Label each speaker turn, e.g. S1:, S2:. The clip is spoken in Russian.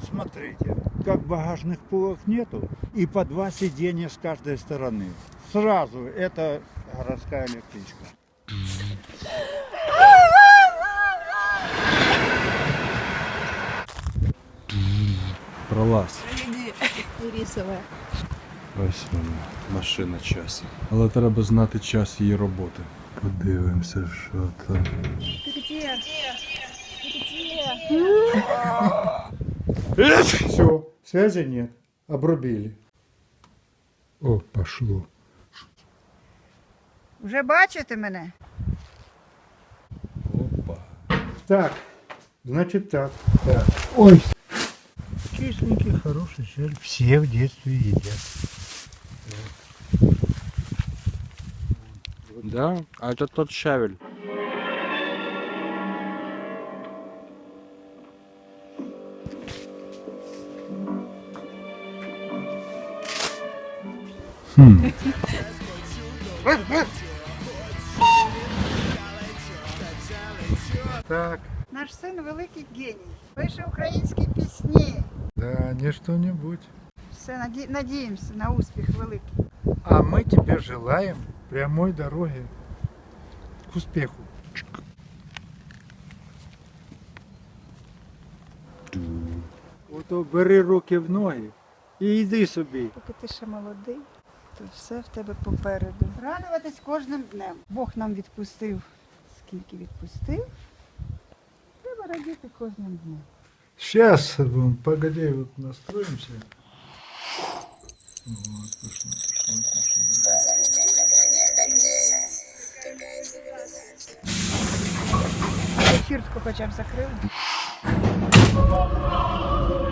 S1: смотрите, как багажных полок нету, и по 2 сиденья с каждой стороны. Сразу это городская электричка.
S2: Пролаз.
S3: Рисовая.
S2: Ось вона, машина часу. Але треба знати час її роботи. Подивимося, що там.
S1: Все, связи нет. Обрубили. О, пошло.
S3: Вже бачите мене?
S2: Опа.
S1: Так, значит так. Так. Ой. Кисленький, хороший щель. Все в детстве едят.
S2: Да? А это тот щавель.
S1: Так,
S3: Наш син великий геній. Пише українські пісні.
S1: да, не что-нибудь.
S3: Все, надіємося на успіх великий.
S1: А мы тебе желаем прямой дороги к успеху. Ото бери руки в ноги і йди собі.
S3: Поки ти ще молодий, то все в тебе попереду. Радуватись кожним днем. Бог нам відпустив, скільки відпустив. Треба радіти кожним днем.
S1: Сейчас, погоди, вот настроимся. Вот, пошло,
S3: Фіртку хоча б закрили.